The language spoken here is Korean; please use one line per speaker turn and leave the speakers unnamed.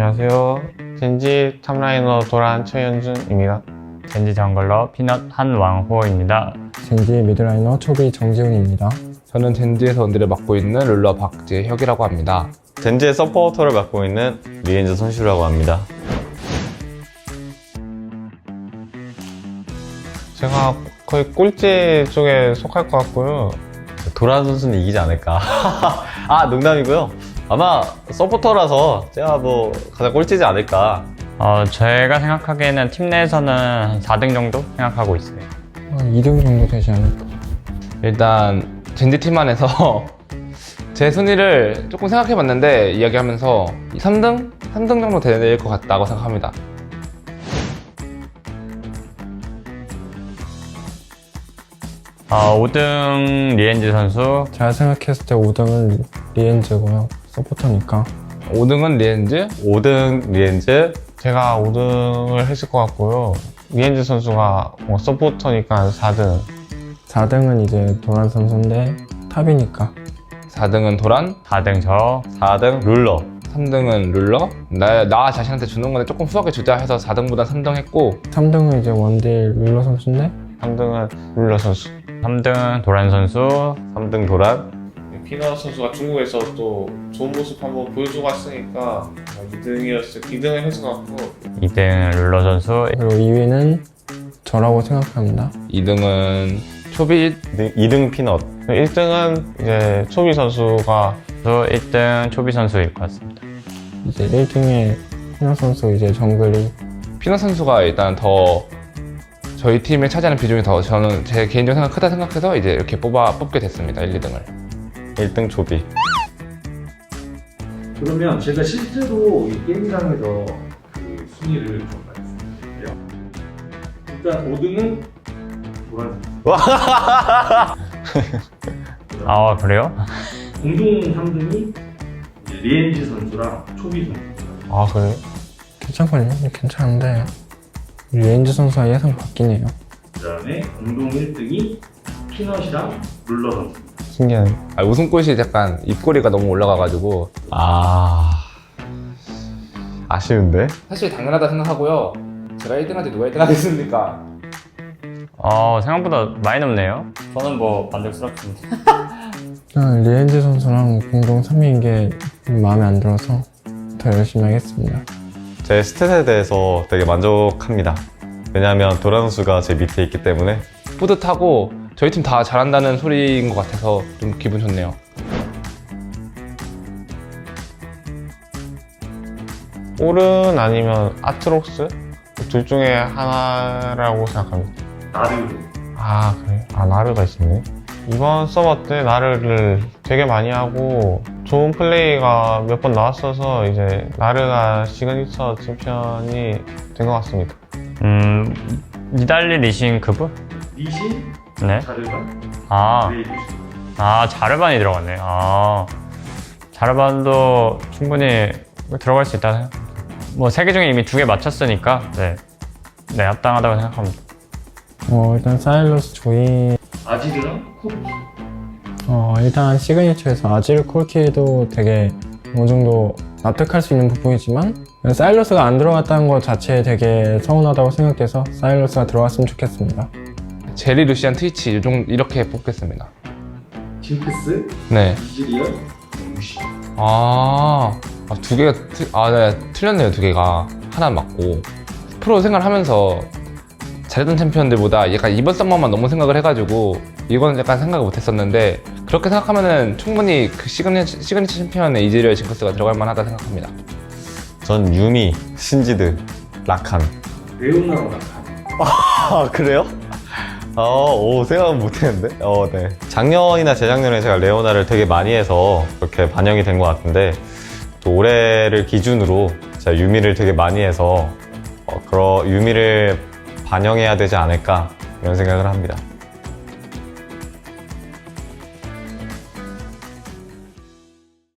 안녕하세요. 젠지 탑라이너 도란 최현준입니다.
젠지 정글러 피넛 한왕호입니다.
젠지 미드라이너 초비 정지훈입니다.
저는 젠지에서 원딜을 맡고 있는 룰러 박재혁이라고 합니다.
젠지의 서포터를 맡고 있는 리엔즈 선수라고 합니다.
제가 거의 꼴찌 쪽에 속할 것 같고요.
도란 선수는 이기지 않을까. 아, 농담이고요. 아마 서포터라서 제가 뭐 가장 꼴찌지 않을까.
제가 생각하기에는 팀 내에서는 한 4등 정도 생각하고 있어요.
2등 정도 되지 않을까.
일단 젠지 팀 안에서 제 순위를 조금 생각해봤는데 이야기하면서 3등? 3등 정도 될 것 같다고 생각합니다.
어, 5등 리엔즈 선수.
제가 생각했을 때 5등은 리엔즈고요. 서포터니까.
5등은 리엔즈,
5등 리엔즈,
제가 5등을 했을 것 같고요. 리엔즈 선수가 뭐 서포터니까 4등.
4등은 이제 도란 선수인데 탑이니까.
4등은 도란,
4등 저.
4등 룰러.
3등은 룰러. 나 자신한테 주는 건데 조금 후하게 주자 해서 4등보다 3등 했고
3등은 이제 원딜 룰러 선수인데
3등은 룰러 선수.
3등 도란 선수.
3등 도란.
피너 선수가 중국에서 또 좋은 모습 한번 보여주고 왔으니까 2등을 했을 것 같고
2등 룰러 선수.
그리고 2위는 저라고 생각합니다.
2등은 초비,
2등 피넛.
1등은 이제 초비 선수가
1등 초비 선수일 것 같습니다.
이제 1등에 희나 선수 이제 정글이
피넛 선수가 일단 더 저희 팀에 차지하는 비중이 더 저는 제 개인적으로 크다 생각해서 이제 이렇게 뽑게 됐습니다. 1, 2등을.
1등 조비.
그러면 제가 실제로 이 게임장에서 그 순위를 좀 말씀드릴게요. 일단 5등은 도란
아, 그래요?
공동 3등이 리엔지 선수랑 초비 선수.
아 그래요?
괜찮거든요. 괜찮은데 리엔즈 선수가 예상 바뀌네요.
그다음에 공동 1등이 피넛이랑 룰러 선수.
신기하네.
웃음꽃이 약간 입꼬리가 너무 올라가가지고
아쉬운데?
사실 당연하다 생각하고요. 제가 1등한테 누가 1등 하겠습니까?
생각보다 많이 높네요. 저는 뭐 만족스럽습니다.
리엔즈 선수랑 공동 3위인 게 마음에 안 들어서 더 열심히 하겠습니다.
제 스탯에 대해서 되게 만족합니다. 왜냐하면 도란 선수가 제 밑에 있기 때문에.
뿌듯하고 저희 팀 다 잘한다는 소리인 것 같아서 좀 기분 좋네요.
올은 아니면 아트록스? 둘 중에 하나라고 생각합니다.
나르.
아 그래요? 아 나르가 있었네. 이번 서버 때 나르를 되게 많이 하고 좋은 플레이가 몇 번 나왔어서 이제 나르가 시그니처 챔피언이 된 것 같습니다.
니달리 리신 그분?
리신,
네.
자르반,
아, 자르반이 들어갔네. 자르반도 충분히 들어갈 수 있다 생각. 뭐 3개 중에 이미 2개 맞췄으니까 네, 합당하다고 생각합니다.
일단 사일러스 조이
아지르랑 코르키.
일단 시그니처에서 아질 콜키도 되게 어느 정도 납득할 수 있는 부분이지만 사일러스가 안 들어갔다는 것 자체에 되게 서운하다고 생각돼서 사일러스가 들어갔으면 좋겠습니다.
제리, 루시안, 트위치 이렇게 뽑겠습니다.
징크스,
네.
이즈리얼, 무시.
두 개가 네, 틀렸네요. 두 개가 하나 맞고 프로 생활을 하면서 잘했던 챔피언들보다 약간 이번 썸머만 너무 생각을 해가지고 이거는 약간 생각을 못했었는데 그렇게 생각하면은 충분히 그 시그니처 챔피언의 이즈리얼 징크스가 들어갈 만하다 생각합니다.
전 유미, 신지드, 라칸.
레오나로 나칸.
아, 그래요? 생각은 못했는데? 네. 작년이나 재작년에 제가 레오나를 되게 많이 해서 그렇게 반영이 된 것 같은데 또 올해를 기준으로 제가 유미를 되게 많이 해서 유미를 반영해야 되지 않을까 이런 생각을 합니다.